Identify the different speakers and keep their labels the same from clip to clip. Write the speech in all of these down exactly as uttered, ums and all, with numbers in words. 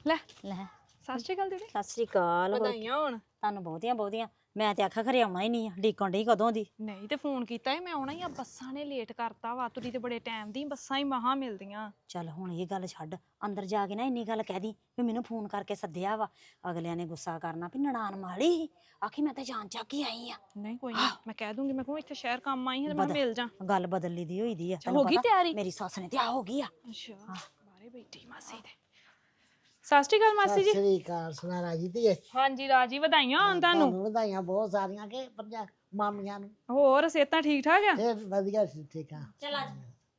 Speaker 1: ਲੈ
Speaker 2: ਲੈ
Speaker 1: ਸਤਿ ਸ਼੍ਰੀ ਅਕਾਲ ਦੀਦੀ।
Speaker 2: ਸਤਿ ਸ੍ਰੀ ਅਕਾਲ। ਹੋਰ
Speaker 1: ਵਧਾਈਆਂ ਹੋਣ।
Speaker 2: ਤੁਹਾਨੂੰ ਬਹੁਤੀਆਂ ਬਹੁਤੀਆਂ। ਮੈਂ ਤੇ ਆਖਿਆ ਖਰੇ ਆਉਣਾ ਹੀ ਨਹੀਂ ਆ, ਡੀਕਣ ਡਈ ਕਦੋਂ ਦੀ।
Speaker 1: ਨਹੀਂ ਤੇ ਫੋਨ ਕੀਤਾ ਸੀ ਮੈਂ ਆਉਣਾ ਹੀ ਆ, ਬੱਸਾਂ ਨੇ ਲੇਟ ਕਰਤਾ ਵਾ। ਤੁਰੀ ਤੇ ਬੜੇ ਟਾਈਮ ਦੀ, ਬੱਸਾਂ ਹੀ ਮਹਾ ਮਿਲਦੀਆਂ।
Speaker 2: ਚੱਲ ਹੁਣ ਇਹ ਗੱਲ ਛੱਡ, ਅੰਦਰ ਜਾ ਕੇ ਨਾ ਇੰਨੀ ਗੱਲ ਕਹਿ ਦੀ ਵੀ ਮੈਨੂੰ ਫੋਨ ਕਰਕੇ ਸੱਦਿਆ ਵਾ। ਅਗਲਿਆਂ ਨੇ ਗੁੱਸਾ ਕਰਨਾ ਵੀ ਨਨਾਣ ਮਾੜੀ ਸੀ, ਆਖੀ ਮੈਂ ਤੇ ਜਾਣ ਚੱਕ ਹੀ ਆਈ ਆ।
Speaker 1: ਨਹੀਂ ਕੋਈ ਨਹੀਂ, ਮੈਂ ਕਹਿ ਦੂੰਗੀ। ਮੈਂ ਕਹੂੰ ਇੱਥੇ ਸ਼ਹਿਰ ਕੰਮ ਆਈ ਹਾਂ ਤੇ ਮੈਂ ਮਿਲ ਜਾ।
Speaker 2: ਗੱਲ ਬਦਲੀ ਦੀ ਹੋਈ ਦੀ ਆ,
Speaker 1: ਹੋ ਗਈ ਤਿਆਰੀ?
Speaker 2: ਮੇਰੀ ਸੱਸ ਨੇ ਤੇ ਆ ਹੋ ਗਈ ਆ।
Speaker 1: ਅੱਛਾ ਬਾਹਰੇ ਬੈਠੀ ਮਾਸੀ ਦੇ। ਸਤਿ ਸ਼੍ਰੀ ਅਕਾਲ ਮਾਸੀ ਜੀ।
Speaker 3: ਸਤਿ ਸ੍ਰੀ ਅਕਾਲ ਸੁਣਾ ਰਾਜੀ ਧੀਏ।
Speaker 1: ਹਾਂਜੀ ਰਾਜੀ, ਵਧਾਈਆਂ ਹੋਣ ਤੁਹਾਨੂੰ।
Speaker 3: ਤੁਹਾਨੂੰ ਵਧਾਈਆਂ ਬਹੁਤ ਸਾਰੀਆਂ ਕਿ ਪੰਜਾ ਮਾਮੀਆਂ ਨੂੰ।
Speaker 1: ਹੋਰ ਸਿਹਤਾਂ ਠੀਕ ਠਾਕ ਆ?
Speaker 3: ਫੇਰ ਵਧੀਆ ਸੀ, ਠੀਕ ਆ।
Speaker 2: ਚੱਲ ਆ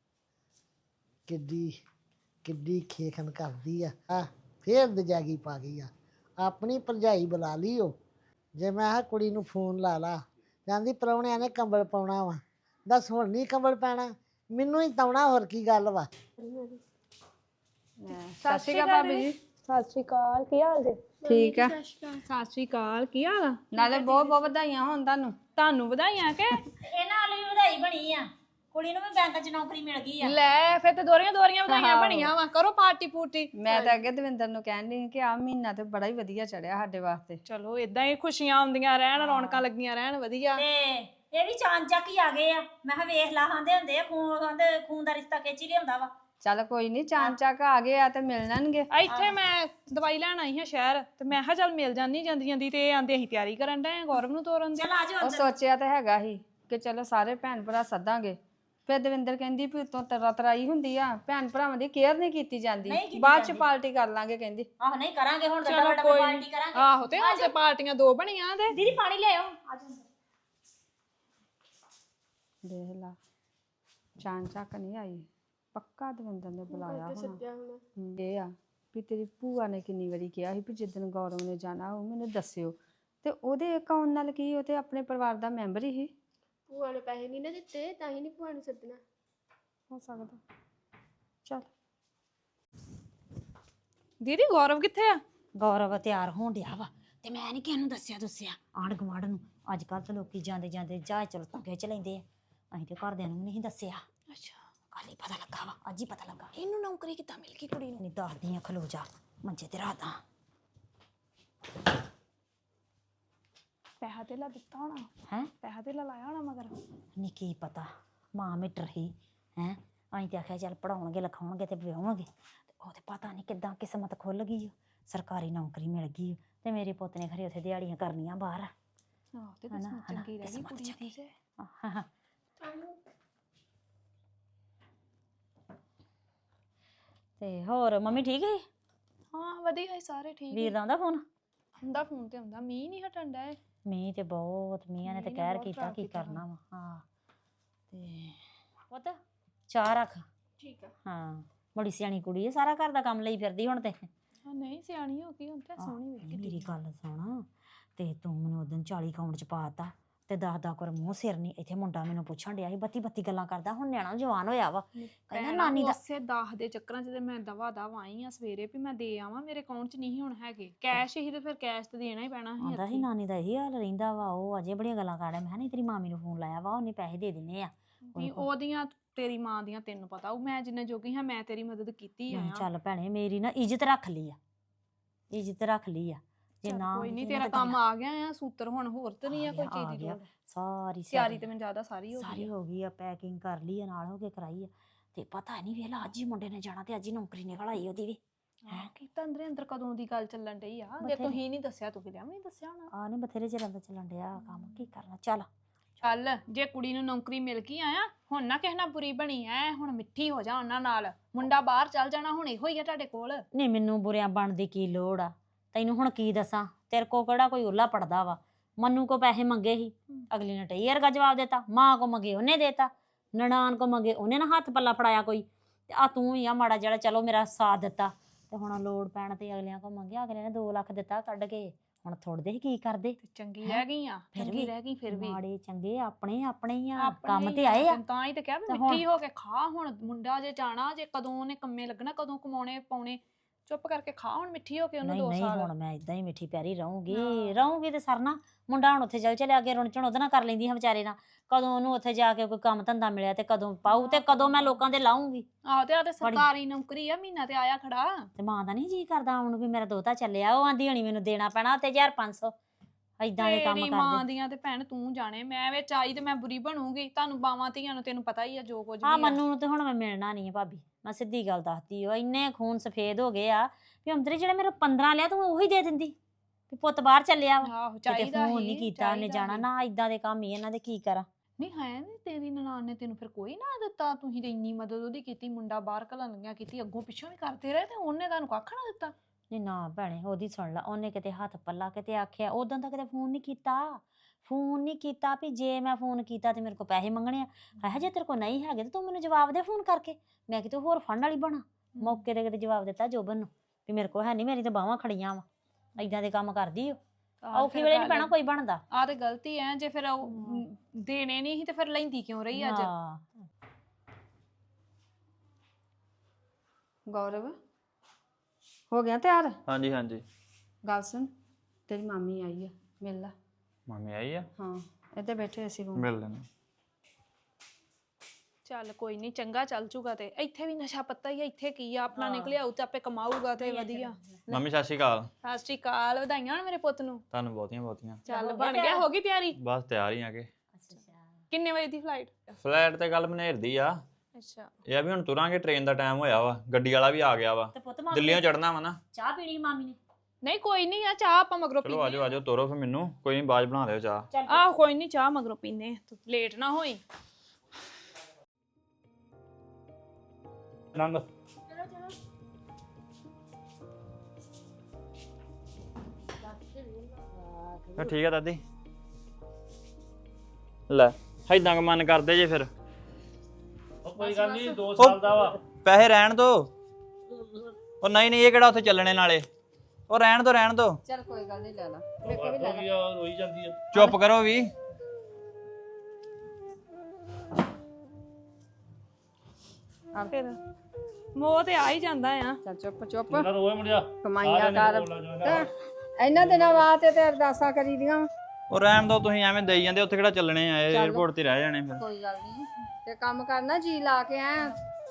Speaker 3: ਕਿੱਡੀ ਕਿੱਡੀ ਖੇਖਣ ਕਰਦੀ ਆ ਆ ਫੇਰ ਦਜਾਗੀ ਪਾ ਗਈ ਆ। ਆਪਣੀ ਭਰਜਾਈ ਬੁਲਾ ਲਈ ਉਹ। ਜੇ ਮੈਂ ਆ ਕੁੜੀ ਨੂੰ ਫੋਨ ਲਾ ਲਾ, ਕਹਿੰਦੀ ਪ੍ਰਾਹੁਣਿਆਂ ਨੇ ਕੰਬਲ ਪਾਉਣਾ ਵਾ। ਦੱਸ ਹੁਣ ਨਹੀਂ ਕੰਬਲ ਪੈਣਾ, ਮੈਨੂੰ ਹੀ ਤਾਉਣਾ, ਹੋਰ ਕੀ ਗੱਲ ਵਾ।
Speaker 1: ਸਤਿ ਸ਼੍ਰੀ ਅਕਾਲ ਭਾਬੀ ਜੀ।
Speaker 4: ਸਤਿ ਸ਼੍ਰੀ ਅਕਾਲ, ਕੀ ਹਾਲ ਜੀ?
Speaker 1: ਠੀਕ ਆ। ਸਤਿ ਸ਼੍ਰੀ ਅਕਾਲ, ਕੀ ਹਾਲ ਆ?
Speaker 4: ਨਾਲੇ ਬਹੁਤ ਬਹੁਤ ਵਧਾਈਆਂ ਹੋਣ ਤੁਹਾਨੂੰ।
Speaker 1: ਤੁਹਾਨੂੰ ਵਧਾਈਆਂ ਕਿ
Speaker 2: ਇਹਨਾਂ ਵਾਲੀ ਵੀ ਵਧਾਈ ਬਣੀ ਆ, ਕੁੜੀ ਨੂੰ ਵੀ ਬੈਂਕ 'ਚ ਨੌਕਰੀ ਮਿਲ ਗਈ ਆ।
Speaker 1: ਲੈ ਫਿਰ ਤੇ ਦੋਰੀਆਂ ਦੋਰੀਆਂ ਵਧਾਈਆਂ ਬਣੀਆਂ ਵਾ। ਕਰੋ ਪਾਰਟੀ ਪੂਰਟੀ।
Speaker 4: ਮੈਂ ਤਾਂ ਅੱਗੇ ਦਵਿੰਦਰ ਨੂੰ ਕਹਿਣ ਡਈ ਕਿ ਆ ਮਹੀਨਾ ਤੇ ਬੜਾ ਹੀ ਵਧੀਆ ਚੜਿਆ ਸਾਡੇ ਵਾਸਤੇ।
Speaker 1: ਚਲੋ ਇਦਾਂ ਹੀ ਖੁਸ਼ੀਆਂ ਆਉਂਦੀਆਂ ਰਹਿਣ, ਰੌਣਕਾਂ ਲੱਗੀਆਂ ਰਹਿਣ, ਵਧੀਆ।
Speaker 2: ਤੇ ਇਹ ਵੀ ਚਾਂਦ ਚੱਕ ਹੀ ਆ ਗਏ ਆ। ਮੈਂ ਕਿਹਾ ਵੇਖ ਲਾ, ਆਂਦੇ ਹੁੰਦੇ ਆ ਖੂਨ, ਆਂਦੇ ਖੂਨ ਦਾ ਰਿਸ਼ਤਾ ਖਿੱਚ ਹੀ ਲਿਆਉਂਦਾ ਵਾ।
Speaker 4: ਚੱਲ ਕੋਈ ਨਹੀਂ, ਚਾਂਦ ਚੱਕ ਆ ਗਏ ਆ ਤੇ ਮਿਲ ਜਾਣਗੇ।
Speaker 1: ਇੱਥੇ ਮੈਂ ਦਵਾਈ ਲੈਣ ਆਈ ਹਾਂ ਸ਼ਹਿਰ, ਤੇ ਮੈਂ ਕਿਹਾ ਚੱਲ ਮਿਲ ਜਾਂਦੀ ਜਾਂਦੀ ਜਾਂਦੀ। ਤੇ ਇਹ ਆਂਦੇ ਅਸੀਂ ਤਿਆਰੀ ਕਰਨ ਡਏ ਆ ਗੌਰਵ ਨੂੰ ਤੋਰਨ ਦੀ।
Speaker 2: ਚੱਲ ਆ ਜਾਓ
Speaker 4: ਉਹ ਸੋਚਿਆ ਤਾਂ ਹੈਗਾ ਸੀ ਕਿ ਚਲੋ ਸਾਰੇ ਭੈਣ ਭਰਾ ਸੱਦਾਂਗੇ। ਫਿਰ ਦਵਿੰਦਰ ਕਹਿੰਦੀ ਵੀ ਉਤੋਂ ਤਰਾ ਤਰਾਈ ਹੁੰਦੀ ਆ, ਭੈਣ ਭਰਾਵਾਂ ਦੀ ਕੇਅਰ ਨਹੀਂ ਕੀਤੀ ਜਾਂਦੀ, ਬਾਅਦ ਚ ਪਾਰਟੀ ਕਰ ਲਾਂਗੇ ਕਹਿੰਦੀ।
Speaker 2: ਆਹ ਨਹੀਂ ਕਰਾਂਗੇ ਹੁਣ, ਤਾਂ
Speaker 1: ਚਲੋ
Speaker 2: ਵੱਡਾ
Speaker 1: ਕੋਈ
Speaker 2: ਪਾਰਟੀ ਕਰਾਂਗੇ।
Speaker 1: ਆਹੋ ਤੇ ਹੁਣ ਤੇ ਪਾਰਟੀਆਂ ਦੋ ਬਣੀਆਂ ਤੇ।
Speaker 2: ਦੀਦੀ ਪਾਣੀ ਲਿਆਓ, ਆ ਜਾਓ।
Speaker 4: ਦੇਖ ਲਾ, ਚਾਂਦ ਚੱਕ ਨਹੀਂ ਆਈ, ਪੱਕਾ ਦਵਿੰਦਰ ਨੇ ਬੁਲਾਇਆ ਹੋਣਾ। ਇਹ ਆ ਵੀ ਤੇਰੀ ਭੂਆ ਨੇ ਕਿੰਨੀ ਵਾਰੀ ਕਿਹਾ ਸੀ ਵੀ ਜਿੱਦਣ ਗੌਰਵ ਨੇ ਜਾਣਾ ਉਹ ਮੈਨੂੰ ਦੱਸਿਓ, ਤੇ ਉਹਦੇ ਅਕਾਊਂਟ ਨਾਲ ਕੀ, ਉਹ ਤੇ ਆਪਣੇ ਪਰਿਵਾਰ ਦਾ ਮੈਂਬਰ ਹੀ।
Speaker 5: ਭੂਆ ਨੇ ਪੈਸੇ ਨਹੀਂ ਨਾ ਦਿੱਤੇ, ਤਾਂ ਹੀ ਨਹੀਂ ਭੂਆ ਨੂੰ ਸੱਦਣਾ।
Speaker 4: ਹੋ ਸਕਦਾ। ਚਲ
Speaker 1: ਦੀਦੀ ਗੌਰਵ ਕਿੱਥੇ ਆ?
Speaker 2: ਗੌਰਵ ਤਿਆਰ ਹੋਣ ਡਿਆ ਵਾ, ਤੇ ਮੈਂ ਨਹੀਂ ਕਿਸੇ ਨੂੰ ਦੱਸਿਆ ਦੱਸਿਆ ਆਂਢ ਗੁਆਂਢ ਨੂੰ। ਅੱਜ ਕੱਲ੍ਹ ਤਾਂ ਲੋਕੀ ਜਾਂਦੇ ਜਾਂਦੇ ਜਹਾਜ਼ ਚਲੋ ਤਾਂ ਖਿੱਚ ਲੈਂਦੇ ਆ। ਅਸੀਂ ਤੇ ਘਰਦਿਆਂ ਨੂੰ ਨਹੀਂ ਦੱਸਿਆ।
Speaker 1: ਅੱਛਾ,
Speaker 2: ਕੱਲ ਹੀ ਪਤਾ ਲੱਗਾ ਵਾ, ਅੱਜ ਹੀ ਪਤਾ ਲੱਗਾ।
Speaker 1: ਇਹਨੂੰ ਨੌਕਰੀ ਕਿੱਦਾਂ ਮਿਲ ਗਈ ਕੁੜੀ ਨੂੰ?
Speaker 2: ਨਹੀਂ ਦੱਸਦੀ ਆ, ਖਲੋ ਜਾ ਮੰਜੇ ਤੇ ਰਾਤਾਂ।
Speaker 1: ਪੈਸਾ ਧੇਲਾ ਦਿੱਤਾ ਹੋਣਾ
Speaker 2: ਹੈ
Speaker 1: ਪੈਸਾ ਧੇਲਾ ਲਾਇਆ ਹੋਣਾ ਮਗਰ।
Speaker 2: ਨਹੀਂ ਕੀ ਪਤਾ, ਮਾਂ ਮਿੱਟਰ ਹੀ ਹੈ। ਅਸੀਂ ਤੇ ਆਖਿਆ ਚੱਲ ਪੜਾਉਣਗੇ ਲਿਖਾਉਣਗੇ ਤੇ ਵਿਆਹੁਣਗੇ, ਤੇ ਉਹ ਤੇ ਪਤਾ ਨਹੀਂ ਕਿੱਦਾਂ ਕਿਸਮਤ ਖੁੱਲ ਗਈ ਓ, ਸਰਕਾਰੀ ਨੌਕਰੀ ਮਿਲ ਗਈ ਓ। ਤੇ ਮੇਰੇ ਪੁੱਤ ਨੇ ਖਰੇ ਉੱਥੇ ਦਿਹਾੜੀਆਂ ਕਰਨੀਆਂ ਬਾਹਰ।
Speaker 1: ਆਹ ਤੇ ਕਿਸਮਤ ਚੰਗੀ ਰਹਿ ਗਈ ਕੁੜੀ ਦੀ ਤੇ।
Speaker 2: ਤੇ ਹੋਰ ਮੰਮੀ ਠੀਕ ਹੈ?
Speaker 1: ਹਾਂ ਵਧੀਆ ਹੈ, ਸਾਰੇ ਠੀਕ।
Speaker 2: ਵੀਰ ਦਾ ਆਉਂਦਾ ਫੋਨ?
Speaker 1: ਹੁੰਦਾ ਫੋਨ ਤੇ ਹੁੰਦਾ। ਮੀਂਹ ਨਹੀਂ ਹਟਣ ਡਿਆ।
Speaker 2: ਮੀਂਹ ਤੇ ਬਹੁਤ, ਮੀਂਹਾਂ ਨੇ ਤੇ
Speaker 1: ਮੀਂਹ ਨੇ
Speaker 2: ਕਹਿਰ
Speaker 1: ਬਹੁਤ
Speaker 2: ਕੀਤਾ,
Speaker 1: ਖਰਾਬ
Speaker 2: ਕੀ
Speaker 1: ਕੀਤਾ
Speaker 2: ਕਰਨਾ ਵਾ। ਹਾਂ ਤੇ ਪੁੱਤ ਚਾਹ ਰੱਖ।
Speaker 1: ਠੀਕ ਆ।
Speaker 2: ਹਾਂ ਬੜੀ ਸਿਆਣੀ ਕੁੜੀ ਹੈ, ਸਾਰਾ ਘਰ ਦਾ ਕੰਮ ਲਈ ਫਿਰਦੀ ਹੁਣ ਤੇ।
Speaker 1: ਹਾਂ ਨਹੀਂ ਸਿਆਣੀ ਹੋ ਗਈ ਹੁਣ ਤੇ, ਸੋਹਣੀ ਵੇਖ ਕੇ।
Speaker 2: ਮੇਰੀ ਗੱਲ ਸੁਣ, ਤੇ ਤੂੰ ਮੈਨੂੰ ਉਦੋਂ ਚਾਲੀ ਅਕਾਊਂਟ ਚ ਪਾਤਾ, ਤੇ ਦਸ ਦਸ ਕਰ ਮੂੰਹ ਸਿਰ ਨਹੀਂ। ਇੱਥੇ ਮੁੰਡਾ ਮੈਨੂੰ ਪੁੱਛਣ ਡਿਆ ਸੀ, ਬੱਤੀ ਬੱਤੀ ਗੱਲਾਂ ਕਰਦਾ। ਹੁਣ ਨਿਆਣਾ ਜਵਾਨ ਹੋਇਆ ਵਾ, ਕਹਿੰਦਾ ਨਾਨੀ ਦਾ।
Speaker 1: ਉਸੇ ਦਸ ਦੇ ਚੱਕਰਾਂ ਚ ਤੇ ਮੈਂ ਦਵਾ ਦਵ ਆਈ ਆ ਸਵੇਰੇ ਵੀ ਮੈਂ ਦੇ ਆਵਾਂ। ਮੇਰੇ ਅਕਾਊਂਟ ਚ ਨਹੀਂ ਹੁਣ ਹੈਗੇ ਕੈਸ਼ ਹੀ, ਤੇ ਫਿਰ ਕੈਸ਼ ਤੇ ਦੇਣਾ ਹੀ ਪੈਣਾ ਸੀ।
Speaker 2: ਆਂਦਾ ਸੀ ਨਾਨੀ ਦਾ ਇਹੀ ਹਾਲ ਰਹਿੰਦਾ ਵਾ, ਉਹ ਅਜੇ ਬੜੀਆਂ ਗੱਲਾਂ ਕਰਦਾ। ਮੈਂ ਕਿਹਾ ਨਹੀਂ, ਤੇਰੀ ਮਾਮੀ ਨੂੰ ਫੋਨ ਲਾਇਆ ਵਾ, ਉਹਨੇ ਪੈਸੇ ਦੇ ਦੇਣੇ ਆ।
Speaker 1: ਵੀ ਉਹਦੀਆਂ ਤੇਰੀ ਮਾਂ ਦੀਆਂ ਤੈਨੂੰ ਪਤਾ, ਉਹ ਮੈਂ ਜਿੰਨੇ ਜੋਗੀ ਹਾਂ ਮੈਂ ਤੇਰੀ ਮਦਦ ਕੀਤੀ ਆ।
Speaker 2: ਚੱਲ ਭੈਣੇ ਮੇਰੀ ਨਾ ਇੱਜ਼ਤ ਰੱਖ ਲਈ ਆ, ਇੱਜ਼ਤ ਰੱਖ ਲਈ ਆ। ਜੇ ਨਾ
Speaker 1: ਕੋਈ ਨਹੀਂ, ਤੇਰਾ ਕੰਮ ਆ ਗਿਆ ਆ ਸੂਤਰ। ਹੁਣ ਹੋਰ ਤੇ ਨਹੀਂ ਆ ਕੋਈ ਚੀਜ਼ ਦੀ ਲੋੜ।
Speaker 2: ਸਾਰੀ
Speaker 1: ਤਿਆਰੀ ਤੇ ਮੈਨੂੰ ਜ਼ਿਆਦਾ ਸਾਰੀ ਹੋ ਗਈ
Speaker 2: ਸਾਰੀ ਹੋ ਗਈ ਆ, ਪੈਕਿੰਗ ਕਰ ਲਈ ਆ, ਨਾਲ ਹੋ ਕੇ ਕਰਾਈ ਆ। ਤੇ ਪਤਾ ਨਹੀਂ ਵੇਲਾ ਅੱਜ ਹੀ ਮੁੰਡੇ ਨੇ ਜਾਣਾ, ਤੇ ਅੱਜ ਹੀ ਨੌਕਰੀ ਨਿਕਲ ਆਈ ਉਹਦੀ ਵੀ।
Speaker 1: ਹੈ ਕੀਤਾ ਅੰਦਰੇ ਅੰਦਰ ਕਦੋਂ ਦੀ ਗੱਲ ਚੱਲਣ ਡਈ ਆ। ਜੇ ਤੂੰ ਹੀ ਨਹੀਂ ਦੱਸਿਆ, ਤੂੰ ਕਿਹਾ ਨਹੀਂ ਦੱਸਿਆ ਹੋਣਾ।
Speaker 2: ਆ ਨਹੀਂ ਬਥੇਰੇ ਚਿਰਾਂ ਦਾ ਚੱਲਣ ਡਿਆ ਕੰਮ, ਕੀ ਕਰਨਾ। ਚੱਲ
Speaker 1: ਚੱਲ ਜੇ ਕੁੜੀ ਨੂੰ ਨੌਕਰੀ ਮਿਲ ਗਈ ਆ, ਹੁਣ ਨਾ ਕਿਸੇ ਨਾਲ ਬੁਰੀ ਬਣੀ ਐ। ਹੁਣ ਮਿੱਠੀ ਹੋ ਜਾ ਉਹਨਾਂ ਨਾਲ। ਮੁੰਡਾ ਬਾਹਰ ਚੱਲ ਜਾਣਾ, ਹੁਣ ਇਹੋ ਹੀ ਆ ਤੁਹਾਡੇ ਕੋਲ।
Speaker 2: ਨਹੀਂ ਮੈਨੂੰ ਬੁਰਿਆਂ ਬਣਨ ਦੀ ਕੀ ਲੋੜ ਆ, ਤੈਨੂੰ ਹੁਣ ਕੀ ਦੱਸਾਂ। ਤੇਰੇ ਕੋ ਕਿਹੜਾ ਕੋਈ ਉੱਲਾ ਪੜਦਾ ਵਾ। ਮੰਨੂ ਕੋ ਪੈਸੇ ਮੰਗੇ ਸੀ, ਅਗਲੀ ਨੇ ਟਈ ਵਰਗਾ ਜਵਾਬ ਦਿੱਤਾ। ਮਾਂ ਕੋ ਮੰਗੇ ਉਹਨੇ ਦੇਤਾ, ਨਨਾਣ ਕੋ ਮੰਗੇ ਉਹਨੇ ਨਾ ਹੱਥ ਪੱਲਾ ਫੜਾਇਆ ਕੋਈ। ਤੇ ਆ ਤੂੰ ਹੀ ਆ ਮਾੜਾ ਜਿਹੜਾ ਚਲੋ ਮੇਰਾ ਸਾਥ ਦਿੱਤਾ। ਤੇ ਹੁਣ ਲੋੜ ਪੈਣ ਤੇ ਅਗਲਿਆਂ ਕੋ ਮੰਗਿਆ, ਅਗਲੇ ਨੇ ਦੋ ਲੱਖ ਦਿੱਤਾ ਕੱਢ ਕੇ। ਹੁਣ ਥੋੜਦੇ ਹੀ ਕੀ ਕਰਦੇ।
Speaker 1: ਚੰਗੀ ਰਹਿ ਗਈ ਆ, ਚੰਗੀ ਰਹਿ ਗਈ। ਫਿਰ ਵੀ
Speaker 2: ਮਾੜੇ ਚੰਗੇ ਆਪਣੇ ਆਪਣੇ ਹੀ ਆ, ਕੰਮ ਤੇ ਆਏ ਆ।
Speaker 1: ਤਾਂ ਹੀ ਤੇ ਕਿਹਾ ਵੀ ਮਿੱਠੀ ਹੋ ਕੇ ਖਾ। ਹੁਣ ਮੁੰਡਾ ਜੇ ਜਾਣਾ, ਜੇ ਕਦੋਂ ਉਹਨੇ ਕੰਮੇ ਲੱਗਣਾ, ਕਦੋਂ ਕਮਾਉਣੇ ਪਾਉਣੇ। ਚੁੱਪ ਕਰਕੇ ਖਾ ਹੁਣ ਮਿੱਠੀ ਹੋ ਕੇ ਉਹਨੂੰ
Speaker 2: ਨਹੀਂ
Speaker 1: ਦੋ
Speaker 2: ਨਹੀਂ
Speaker 1: ਸਾਲ
Speaker 2: ਹੁਣ ਮੈਂ ਇਦਾਂ ਹੀ ਮਿੱਠੀ ਪਿਆਰੀ ਰਹੂੰਗੀ
Speaker 1: ਹਾਂ।
Speaker 2: ਰਹੂੰਗੀ ਤੇ ਸਰਨਾ ਮੁੰਡਾ ਹੁਣ ਉੱਥੇ ਚੱਲ ਚਲਿਆ ਅੱਗੇ ਰੁਣਚਣ ਉਹਦੇ ਨਾਲ ਕਰ ਲੈਂਦੀ ਹਾਂ ਵਿਚਾਰੇ ਨਾਲ ਕਦੋਂ ਉਹਨੂੰ ਉੱਥੇ ਜਾ ਕੇ ਕੋਈ ਕੰਮ ਧੰਦਾ ਮਿਲਿਆ ਤੇ ਕਦੋਂ ਪਾਊ ਤੇ ਕਦੋਂ ਮੈਂ ਲੋਕਾਂ ਦੇ ਲਾਉਂਗੀ
Speaker 1: ਆਹੋ ਤੇ ਆ ਤੇ ਸਰਕਾਰੀ ਨੌਕਰੀ ਆ ਮਹੀਨਾ ਤੇ ਆਇਆ ਖੜਾ
Speaker 2: ਤੇ ਮਾਂ ਦਾ ਨਹੀਂ ਜੀ ਕਰਦਾ ਆਉਣ ਨੂੰ ਵੀ ਮੇਰਾ ਦੋਤਾ ਚੱਲਿਆ ਉਹ ਆਂਦੀ ਹੋਣੀ ਮੈਨੂੰ ਦੇਣਾ ਪੈਣਾ ਤੇ ਹਜ਼ਾਰ ਪੰਜ ਸੌ ਏਦਾਂ ਦੇ ਕੰਮ
Speaker 1: ਤੇਰੀ ਮਾਂ
Speaker 2: ਕਰਦੇ
Speaker 1: ਦੀਆਂ ਤੇ ਭੈਣ ਤੂੰ ਜਾਣੇ ਮੈਂ ਵਿੱਚ ਆਈ ਤੇ ਮੈਂ ਬੁਰੀ ਬਣੂਗੀ ਤੁਹਾਨੂੰ ਬਾਵਾਂ ਧੀਆਂ ਨੂੰ ਤੈਨੂੰ ਪਤਾ ਹੀ ਆ ਜੋ ਕੁਝ ਵੀ
Speaker 2: ਹਾਂ
Speaker 1: ਆ।
Speaker 2: ਮੰਨੂ ਨੂੰ ਤੇ ਹੁਣ ਮੈਂ ਮਿਲਣਾ ਨਹੀਂ ਹੈ ਭਾਬੀ ਮੈਂ ਸਿੱਧੀ ਗੱਲ ਦੱਸਦੀ ਉਹ ਇੰਨੇ ਖੂਨ ਸਫੇਦ ਹੋ ਗਏ ਆ ਵੀ ਅੰਦਰੇ ਜਿਹੜੇ ਮੇਰੇ ਪੰਦਰਾਂ ਲਿਆ ਤੂੰ ਉਹੀ ਦੇ ਦਿੰਦੀ ਵੀ ਪੁੱਤ ਬਾਹਰ ਚੱਲਿਆ ਵਾ
Speaker 1: ਆਹੋ
Speaker 2: ਕਿਤੇ
Speaker 1: ਚਾਹੀਦਾ
Speaker 2: ਫੋਨ
Speaker 1: ਹੀ
Speaker 2: ਨਹੀਂ ਕੀਤਾ ਉਹਨੇ
Speaker 1: ਚਾਹੀਦਾ
Speaker 2: ਜਾਣਾ
Speaker 1: ਹੀ।
Speaker 2: ਨਾ ਇਦਾਂ ਦੇ ਕੰਮ ਹੀ ਇਹਨਾਂ ਦੇ ਕੀ ਕਰਾਂ
Speaker 1: ਨਹੀਂ ਹੈ ਨਹੀਂ ਤੇਰੀ ਨਨਾਣ ਨੇ ਤੈਨੂੰ ਫਿਰ ਕੋਈ ਨਾ ਦਿੱਤਾ ਤੁਸੀਂ ਤੇ ਇੰਨੀ ਮਦਦ ਉਹਦੀ ਕੀਤੀ ਮੁੰਡਾ ਬਾਹਰ ਘੱਲਣ ਲੱਗਿਆ ਕੀਤੀ ਅੱਗੋਂ ਪਿੱਛੋਂ ਵੀ ਕਰਦੇ ਰਹੇ ਤੇ ਉਹਨੇ ਤੁਹਾਨੂੰ ਕੱਖ ਨਾ ਦਿੱਤਾ
Speaker 2: ਨਹੀਂ ਨਾ ਭੈਣੇ ਉਹਦੀ ਸੁਣ ਲਾ ਉਹਨੇ ਕਿਤੇ ਹੱਥ ਪੱਲਾ ਕਿਤੇ ਆਖਿਆ ਉਦੋਂ ਤਾਂ ਕਿਤੇ ਫੋਨ ਨਹੀਂ ਕੀਤਾ ਫੋਨ ਨਹੀਂ ਕੀਤਾ ਵੀ ਜੇ ਮੈਂ ਫੋਨ ਕੀਤਾ ਤੇ ਮੇਰੇ ਕੋਲ ਪੈਸੇ ਮੰਗਣੇ ਆ ਹੈ ਜੇ ਤੇਰੇ ਕੋਲ ਨਹੀਂ ਹੈਗੇ ਤੇ ਤੂੰ ਮੈਨੂੰ ਜਵਾਬ ਦੇ ਫੋਨ ਕਰਕੇ ਮੈਂ ਕਿਤੇ ਹੋਰ ਫੜਨ ਵਾਲੀ ਬਣਾ ਮੌਕੇ ਤੇ ਕਿਤੇ ਜਵਾਬ ਦਿੱਤਾ ਜੋਬਨ ਨੂੰ ਵੀ ਮੇਰੇ ਕੋਲ ਹੈ ਨਹੀਂ ਮੇਰੀ ਤਾਂ ਬਾਹਾਂ ਖੜੀਆਂ ਵਾ ਏਦਾਂ ਦੇ ਕੰਮ ਕਰਦੀ ਉਹ ਔਖੀ ਵੇਲੇ ਨਹੀਂ ਪੈਣਾ ਕੋਈ ਬਣਦਾ
Speaker 1: ਆ ਤੇ ਗਲਤੀ ਐ ਜੇ ਫਿਰ ਉਹ ਦੇਣੇ ਨਹੀਂ ਸੀ ਤੇ ਫਿਰ ਲੈਂਦੀ ਕਿਉਂ ਰਹੀ ਅੱਜ
Speaker 2: ਹਾਂ
Speaker 4: ਗੌਰਵ ਹੋ ਗਿਆ ਤਿਆਰ
Speaker 6: ਹਾਂਜੀ ਹਾਂਜੀ
Speaker 4: ਗੱਲ ਸੁਣ ਤੇਰੀ ਮਾਮੀ ਆਈ ਆ ਮਿਲ ਲੈ
Speaker 6: ਮਾਮੀ ਆਈ ਆ
Speaker 4: ਹਾਂ ਇੱਥੇ ਬੈਠੇ ਅਸੀਂ ਰੂਮ
Speaker 6: ਮਿਲ ਲੈਣਾ
Speaker 1: ਚੱਲ ਕੋਈ ਨਹੀਂ ਚੰਗਾ ਚੱਲ ਜੂਗਾ ਤੇ ਇੱਥੇ ਵੀ ਨਸ਼ਾ ਪੱਤਾ ਹੀ ਆ ਇੱਥੇ ਕੀ ਆ ਆਪਣਾ ਨਿਕਲਿਆ ਉਹ ਤੇ ਆਪੇ ਕਮਾਊਗਾ ਤੇ ਵਧੀਆ
Speaker 6: ਮੰਮੀ ਸਤਿ ਸ਼੍ਰੀ ਅਕਾਲ
Speaker 1: ਸਤਿ ਸ਼੍ਰੀ ਅਕਾਲ ਵਧਾਈਆਂ ਹੋਣ ਮੇਰੇ ਪੁੱਤ ਨੂੰ
Speaker 6: ਤੁਹਾਨੂੰ ਬਹੁਤੀਆਂ ਬਹੁਤੀਆਂ
Speaker 1: ਚੱਲ ਬਣ ਗਿਆ ਹੋ ਗਈ ਤਿਆਰੀ
Speaker 6: ਬਸ ਤਿਆਰ ਹੀ ਆ ਕੇ
Speaker 1: ਕਿੰਨੇ ਵਜੇ ਦੀ ਫਲਾਈਟ
Speaker 6: ਫਲਾਈਟ ਤੇ ਗੱਲ ਮਨੇਰ ਦੀ ਆ
Speaker 1: ਅੱਛਾ
Speaker 6: ਇਹ ਆ ਵੀ ਹੁਣ ਤੁਰਾਂਗੇ ਟ੍ਰੇਨ ਦਾ ਟਾਈਮ ਹੋਇਆ ਵਾ ਗੱਡੀ ਵਾਲਾ ਵੀ ਆ ਗਿਆ ਵਾ
Speaker 2: ਤੇ ਪੁੱਤ ਮਾਮੀ
Speaker 6: ਦਿੱਲੀੋਂ ਚੜਨਾ ਵਾ ਨਾ
Speaker 2: ਚਾਹ ਪੀਣੀ ਮਾਮੀ ਨੇ
Speaker 1: ਨਹੀਂ ਕੋਈ ਨਹੀਂ ਆ ਚਾਹ ਆਪਾਂ ਮਗਰੋਂ
Speaker 6: ਚਲੋ
Speaker 1: ਪੀਨੇ
Speaker 6: ਆਜੋ ਆਜੋ ਤੋਰੋ ਫਿਰ ਮੈਨੂੰ ਕੋਈ ਨਹੀਂ ਬਾਜ ਬਣਾ ਲਿਓ ਚਾਹ
Speaker 1: ਆਹ ਕੋਈ ਨਹੀਂ ਚਾਹ ਮਗਰੋਂ ਪੀਨੇ ਤੂੰ ਲੇਟ ਨਾ ਹੋਈ
Speaker 7: ਨੰਗ
Speaker 6: ਫਿਰ ਠੀਕ ਆ ਦਾਦੀ ਲੈ ਏਦਾਂ ਕ ਮਨ ਕਰਦੇ ਜੇ ਫਿਰ
Speaker 7: ਉਹ ਕੋਈ ਗੱਲ ਨਹੀਂ ਦੋ ਸਾਲ ਦਾ ਵਾ
Speaker 6: ਪੈਸੇ ਰਹਿਣ ਦੋ ਉਹ ਨਹੀਂ ਨਹੀਂ ਇਹ ਕਿਹੜਾ ਉੱਥੇ ਚੱਲਣੇ ਨਾਲੇ ਉਹ ਰਹਿਣ ਦੋ ਰਹਿਣ ਦੋ
Speaker 4: ਚੱਲ ਕੋਈ ਗੱਲ ਨਹੀਂ ਲੈ ਲਾ
Speaker 7: ਉਹ ਵੀ ਆ ਰੋਈ ਜਾਂਦੀ ਆ
Speaker 6: ਚੁੱਪ ਕਰੋ ਵੀ
Speaker 1: ਫਿਰ ਮੋਹ ਤੇ ਆ ਹੀ ਜਾਂਦਾ ਆ
Speaker 4: ਚੱਲ ਚੁੱਪ ਚੁੱਪ
Speaker 7: ਮੁੰਡਾ ਰੋਏ ਮੁੰਡਿਆ
Speaker 4: ਕਮਾਈਆਂ ਕਰ ਇਹਨਾਂ ਦਿਨਾਂ ਵਾਸਤੇ ਤੇ ਅਰਦਾਸਾਂ ਕਰੀ ਦੀਆਂ
Speaker 6: ਉਹ ਰਹਿਣ ਦੋ ਤੁਸੀਂ ਐਵੇਂ ਦੇਈ ਜਾਂਦੇ ਉੱਥੇ ਕਿਹੜਾ ਚੱਲਣੇ ਆ 에어ਪੋਰਟ ਤੇ ਰਹਿ ਜਾਣੇ ਫਿਰ
Speaker 4: ਕੋਈ ਗੱਲ ਨਹੀਂ ਤੇ ਕੰਮ ਕਰਨਾ ਜੀ ਲਾ ਕੇ ਐ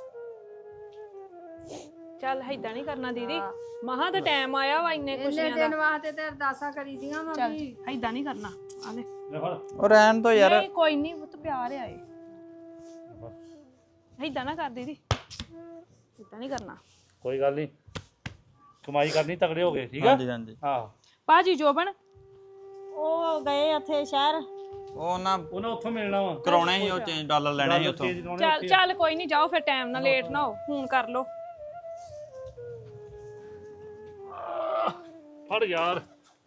Speaker 1: ਚੱਲ ਏਦਾਂ ਨਹੀਂ ਕਰਨਾ ਦੀਦੀ ਮਹਾ ਤਾਂ ਟਾਈਮ ਆਇਆ ਵਾ ਇੰਨੇ
Speaker 4: ਇੰਨੇ
Speaker 1: ਖੁਸ਼ੀਆਂ
Speaker 4: ਦਿਨ
Speaker 1: ਦਾ
Speaker 4: ਵਾਸਤੇ ਤੇ ਅਰਦਾਸਾਂ ਕਰੀ ਦੀਆਂ ਵਾ
Speaker 1: ਚੱਲ
Speaker 4: ਵੀ
Speaker 1: ਏਦਾਂ ਨਹੀਂ ਕਰਨਾ ਆ ਲੈ
Speaker 7: ਲੈ ਫੜ
Speaker 6: ਉਹ ਰਹਿਣ ਦੋ ਯਾਰ
Speaker 1: ਨਹੀਂ ਕੋਈ ਨਹੀਂ ਉਹ ਤਾਂ ਪਿਆਰ ਆ ਇਹ ਏਦਾਂ ਨਾ ਕਰ ਦੀਦੀ ਏਦਾਂ ਨਹੀਂ ਕਰਨਾ
Speaker 7: ਕੋਈ ਗੱਲ ਨਹੀਂ ਕਮਾਈ ਕਰਨੀ ਤਗੜੇ ਹੋ ਗਏ ਠੀਕ ਆ
Speaker 6: ਹਾਂਜੀ ਹਾਂਜੀ
Speaker 7: ਹਾਂ
Speaker 1: ਬਾਜੀ ਜੋਬਨ
Speaker 2: ਉਹ ਗਏ ਉੱਥੇ ਸ਼ਹਿਰ
Speaker 6: ਉਹ ਨਾ
Speaker 7: ਉਹਨਾਂ ਉੱਥੋਂ ਮਿਲਣਾ ਵਾ
Speaker 6: ਕਰਾਉਣੇ ਸੀ ਉਹ ਚੇਂਜ ਡਾਲਰ ਲੈਣੇ ਸੀ ਉੱਥੋਂ
Speaker 1: ਚੱਲ ਚੱਲ ਕੋਈ ਨਹੀਂ ਜਾਓ ਫਿਰ ਟਾਈਮ ਨਾਲ ਲੇਟ ਨਾ ਹੋ ਫੋਨ ਕਰ ਲਓ
Speaker 7: ਫੜ ਯਾਰ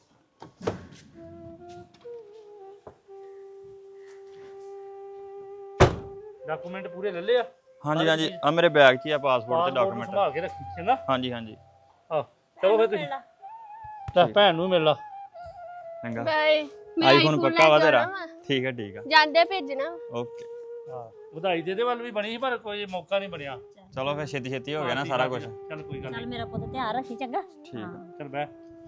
Speaker 7: ਡਾਕੂਮੈਂਟ ਪੂਰੇ ਲੈ ਲਏ ਆ
Speaker 6: ਹਾਂਜੀ ਹਾਂਜੀ ਆ ਮੇਰੇ ਬੈਗ 'ਚ ਹੀ ਆ ਪਾਸਪੋਰਟ ਤੇ
Speaker 7: ਪਾਸਪੋਰਟ ਨੂੰ
Speaker 6: ਡਾਕੂਮੈਂਟ
Speaker 7: ਸੰਭਾਲ ਕੇ ਰੱਖੀ ਚੰਗਾ
Speaker 6: ਹਾਂਜੀ ਹਾਂਜੀ
Speaker 7: ਆ ਚਲੋ ਫਿਰ ਤੁਸੀਂ ਲੈ ਭੈਣ ਨੂੰ ਮਿਲ ਲਾ
Speaker 6: ਚੰਗਾ
Speaker 5: ਬਾਏ
Speaker 6: ਆਈਫੋਨ ਪੱਕਾ ਵਾ ਤੇਰਾ ਠੀਕ ਹੈ ਠੀਕ ਆ
Speaker 5: ਜਾਂਦੇ ਭੇਜਣਾ
Speaker 6: ਓਕੇ
Speaker 7: ਹਾਂ ਵਧਾਈ ਦੇ ਦੇ ਵੱਲ ਵੀ ਬਣੀ ਸੀ ਪਰ ਕੋਈ ਮੌਕਾ ਨਹੀਂ ਬਣਿਆ
Speaker 6: ਚਲੋ ਫਿਰ ਛੇਤੀ ਛੇਤੀ ਹੋ ਗਿਆ ਨਾ ਸਾਰਾ ਕੁਝ
Speaker 7: ਚੱਲ ਕੋਈ ਗੱਲ
Speaker 2: ਚੱਲ
Speaker 7: ਨਹੀਂ
Speaker 2: ਮੇਰਾ ਪੁੱਤ ਧਿਆਨ ਰੱਖੀ ਚੰਗਾ
Speaker 6: ਠੀਕ ਆ।
Speaker 7: ਚੱਲ ਬੈ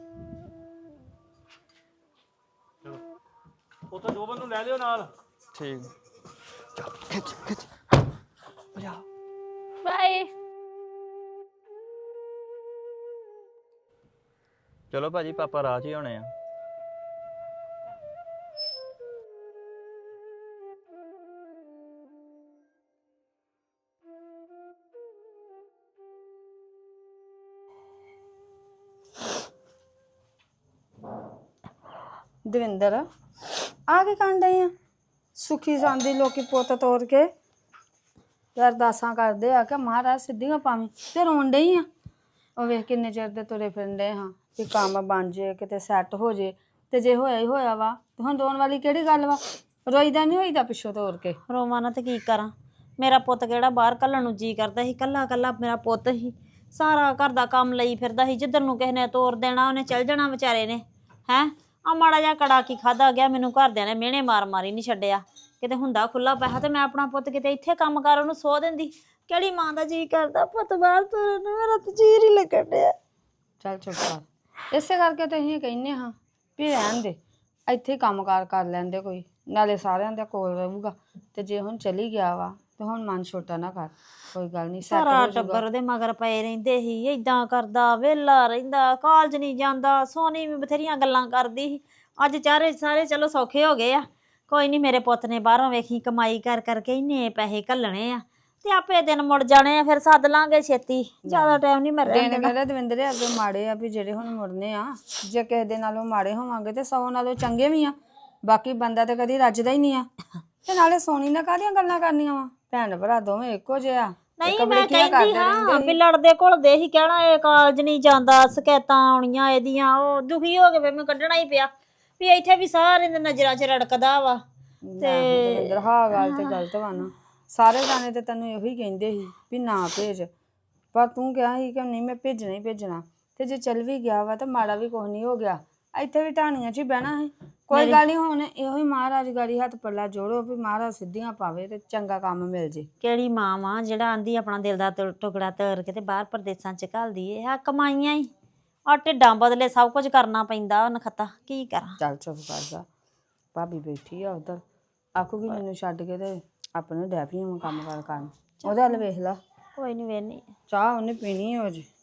Speaker 7: ਚਲੋ ਉਹ ਤਾਂ ਜੋਬਨ ਨੂੰ ਲੈ ਲਿਓ ਨਾਲ
Speaker 6: ਠੀਕ
Speaker 5: ਬਾਏ
Speaker 6: ਚਲੋ ਭਾਜੀ ਪਾਪਾ ਰਾਹ 'ਚ ਹੀ ਹੋਣੇ ਆ
Speaker 4: ਦਵਿੰਦਰ ਆ ਕੇ ਕਾਂਡੇ ਆ ਸੁਖੀ ਸੰਦੀ ਲੋਕੀ ਪੁੱਤ ਤੋੜ ਕੇ ਤੇ ਅਰਦਾਸਾਂ ਕਰਦੇ ਆ ਕਿ ਮਹਾਰਾਜ ਸਿੱਧੀਆਂ ਪਾਵੀਂ ਤੇ ਰੋਣ ਡਈ ਆ ਉਹ ਵੇਖ ਕਿੰਨੇ ਚਿਰ ਦੇ ਤੁਰੇ ਫਿਰਦੇ ਹਾਂ ਕਿ ਕੰਮ ਬਣ ਜੇ ਕਿਤੇ ਸੈੱਟ ਹੋ ਜੇ ਤੇ ਜੇ ਹੋਇਆ ਹੀ ਹੋਇਆ ਵਾ ਤੇ ਹੁਣ ਰੋਣ ਵਾਲੀ ਕਿਹੜੀ ਗੱਲ ਵਾ ਰੋਈਦਾ ਨਹੀਂ ਹੋਈਦਾ ਪਿੱਛੋਂ ਤੋੜ ਕੇ
Speaker 2: ਰੋਵਾਂ ਨਾ ਤੇ ਕੀ ਕਰਾਂ ਮੇਰਾ ਪੁੱਤ ਕਿਹੜਾ ਬਾਹਰ ਕੱਲਣ ਨੂੰ ਜੀ ਕਰਦਾ ਸੀ ਕੱਲਾ ਕੱਲਾ ਮੇਰਾ ਪੁੱਤ ਸੀ ਸਾਰਾ ਘਰ ਦਾ ਕੰਮ ਲਈ ਫਿਰਦਾ ਸੀ ਜਿੱਧਰ ਨੂੰ ਕਿਸੇ ਨੇ ਤੋਰ ਦੇਣਾ ਉਹਨੇ ਚੱਲ ਜਾਣਾ ਵਿਚਾਰੇ ਨੇ ਹੈਂ ਆ ਮਾੜਾ ਜਿਹਾ ਕੜਾ ਕੀ ਖਾਦਾ ਗਿਆ ਮੈਨੂੰ ਘਰਦਿਆਂ ਨੇ ਮਿਹਣੇ ਮਾਰ ਮਾਰੀ ਨਹੀਂ ਛੱਡਿਆ ਕਿਤੇ ਹੁੰਦਾ ਖੁੱਲਾ ਪੈਸਾ ਤੇ ਮੈਂ ਆਪਣਾ ਪੁੱਤ ਕਿਤੇ ਇੱਥੇ ਕੰਮ ਕਰ ਉਹਨੂੰ ਸੋ ਦਿੰਦੀ ਕਿਹੜੀ ਮਾਂ ਦਾ ਜੀ ਕਰਦਾ ਪੁੱਤ ਬਾਹਰ ਤੋਰਨ ਨੂੰ ਮੇਰਾ ਤਾਂ ਜੀਰ ਹੀ ਲੱਗਣ ਡਿਆ
Speaker 4: ਚੱਲ ਚੁੱਪ ਕਰ। ਇਸੇ ਕਰਕੇ ਤਾਂ ਅਸੀਂ ਕਹਿੰਨੇ ਹਾਂ ਵੀ ਰਹਿਣ ਦੇ, ਇੱਥੇ ਕੰਮਕਾਰ ਕਰ ਲੈਂਦੇ ਕੋਈ, ਨਾਲੇ ਸਾਰਿਆਂ ਦੇ ਕੋਲ ਰਹੂਗਾ। ਤੇ ਜੇ ਹੁਣ ਚਲੀ ਗਿਆ ਵਾ ਤੇ ਹੁਣ ਮਨ ਛੋਟਾ ਨਾ ਕਰ, ਕੋਈ ਗੱਲ ਨਹੀਂ, ਸੈੱਟ
Speaker 2: ਸਾਰਾ
Speaker 4: ਹੋ ਜਾਊਗਾ।
Speaker 2: ਟੱਬਰ ਉਹਦੇ ਮਗਰ ਪਏ ਰਹਿੰਦੇ ਸੀ, ਏਦਾਂ ਕਰਦਾ, ਵਿਹਲਾ ਰਹਿੰਦਾ, ਕਾਲਜ ਨਹੀਂ ਜਾਂਦਾ। ਸੋਨੀ ਵੀ ਬਥੇਰੀਆਂ ਗੱਲਾਂ ਕਰਦੀ ਸੀ। ਅੱਜ ਚਾਰੇ ਸਾਰੇ ਚਲੋ ਸੌਖੇ ਹੋ ਗਏ ਆ। ਕੋਈ ਨਹੀਂ, ਮੇਰੇ ਪੁੱਤ ਨੇ ਬਾਹਰੋਂ ਵੇਖੀ ਕਮਾਈ ਕਰ ਕਰਕੇ ਇੰਨੇ ਪੈਸੇ ਘੱਲਣੇ ਆ ਤੇ ਆਪੇ ਦਿਨ ਮੁੜ ਜਾਣੇ ਆ। ਫਿਰ ਸੱਦ ਲਾਂਗੇ ਛੇਤੀ, ਜ਼ਿਆਦਾ ਟਾਈਮ ਨਹੀਂ ਮੈਂ ਰਹਿਣ
Speaker 4: ਦਿਨ
Speaker 2: ਦੇਣਾ।
Speaker 4: ਕਹਿੰਦੇ ਦਵਿੰਦਰੇ ਅੱਗੇ ਮਾੜੇ ਆ ਵੀ ਜਿਹੜੇ ਹੁਣ ਮੁੜਨੇ ਆ, ਜੇ ਕਿਸੇ ਦੇ ਨਾਲੋਂ ਮਾੜੇ ਹੋਵਾਂਗੇ ਤੇ ਸੌ ਨਾਲੋਂ ਚੰਗੇ ਵੀ ਆ। ਬਾਕੀ ਬੰਦਾ ਤੇ ਕਦੀ ਰੱਜਦਾ ਹੀ ਨਹੀਂ ਆ। ਤੇ ਨਾਲੇ ਸੋਨੀ ਨਾਲ ਕਾਹਦੀਆਂ ਗੱਲਾਂ ਕਰਨੀਆਂ ਵਾ, ਭੈਣ ਭਰਾ ਦੋਵੇਂ ਇੱਕੋ ਜਿਹੇ ਆ।
Speaker 2: ਨਹੀਂ ਮੈਂ ਕਹਿੰਦੀ ਹਾਂ ਵੀ ਲੜਦੇ ਘੁਲਦੇ ਹੀ ਕਹਿਣਾ ਇਹ ਕਾਲਜ ਨਹੀਂ ਜਾਂਦਾ, ਸ਼ਿਕਾਇਤਾਂ ਆਉਣੀਆਂ ਇਹਦੀਆਂ। ਉਹ ਦੁਖੀ ਹੋ ਕੇ ਫਿਰ ਮੈਨੂੰ ਕੱਢਣਾ ਹੀ ਪਿਆ ਵੀ ਇੱਥੇ ਵੀ ਸਾਰੇ ਦੇ ਨਜ਼ਰਾਂ 'ਚ ਰੜਕਦਾ ਵਾ।
Speaker 4: ਤੇ ਦਵਿੰਦਰ ਹਾਂ ਗੱਲ ਤੇ ਗਲਤ ਵਾ ਨਾ, ਸਾਰੇ ਜਾਣੇ ਤੇ ਤੈਨੂੰ ਇਹੋ ਹੀ ਕਹਿੰਦੇ ਸੀ ਵੀ ਨਾ ਭੇਜ, ਪਰ ਤੂੰ ਕਿਹਾ ਸੀ ਕਿ ਨਹੀਂ ਮੈਂ ਭੇਜਣਾ ਹੀ ਭੇਜਣਾ। ਤੇ ਜੇ ਚੱਲ ਵੀ ਗਿਆ ਵਾ ਤਾਂ ਮਾੜਾ ਵੀ ਕੁਛ ਨਹੀਂ ਹੋ ਗਿਆ, ਇੱਥੇ ਵੀ ਢਾਣੀਆਂ 'ਚ ਹੀ ਬਹਿਣਾ ਹੈ। ਕੋਈ ਗੱਲ ਨਹੀਂ, ਹੁਣ ਇਹੋ ਹੀ ਮਹਾਰਾਜ ਗਾੜੀ ਹੱਥ ਪੱਲਾ ਜੋੜੋ ਵੀ ਮਹਾਰਾਜ ਸਿੱਧੀਆਂ ਪਾਵੇ ਤੇ ਚੰਗਾ ਕੰਮ ਮਿਲ ਜੇ।
Speaker 2: ਕਿਹੜੀ ਮਾਂ ਵਾ ਜਿਹੜਾ ਆਂਦੀ ਆਪਣਾ ਦਿਲ ਦਾ ਟੁ- ਟੁਕੜਾ ਤੋੜ ਕੇ ਤੇ ਬਾਹਰ ਪ੍ਰਦੇਸਾਂ 'ਚ ਘੱਲਦੀ ਏ। ਆ ਕਮਾਈਆਂ ਹੀ ਆ ਢਿੱਡਾਂ ਬਦਲੇ ਸਭ ਕੁਝ ਕਰਨਾ ਪੈਂਦਾ। ਨਖੱਤਾ ਕੀ ਕਰਾਂ।
Speaker 4: ਚੱਲ ਚੁੱਪ ਕਰ ਜਾ, ਭਾਬੀ ਬੈਠੀ ਆ ਉਧਰ, ਆਖੂਗੀ ਮੈਨੂੰ ਛੱਡ ਕੇ ਤੇ ਆਪਣੇ ਡੈਪੀਆਂ ਨੂੰ ਕੰਮ ਕਰ ਕਰਨ। ਉਹਦੇ ਵੱਲ ਵੇਖ ਲਾ,
Speaker 2: ਕੋਈ ਨਹੀਂ ਵੇਹਨੀ।
Speaker 4: ਚਾਹ ਉਹਨੇ ਪੀਣੀ ਹੋ ਜੇ।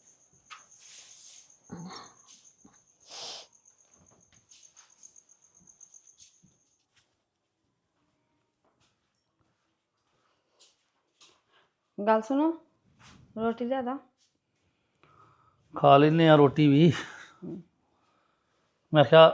Speaker 4: ਗੱਲ ਸੁਣੋ, ਰੋਟੀ ਲਿਆ ਦਾ।
Speaker 7: ਖਾ ਲੈਨੇ ਆ ਰੋਟੀ ਵੀ। ਮੈਂ ਕਿਹਾ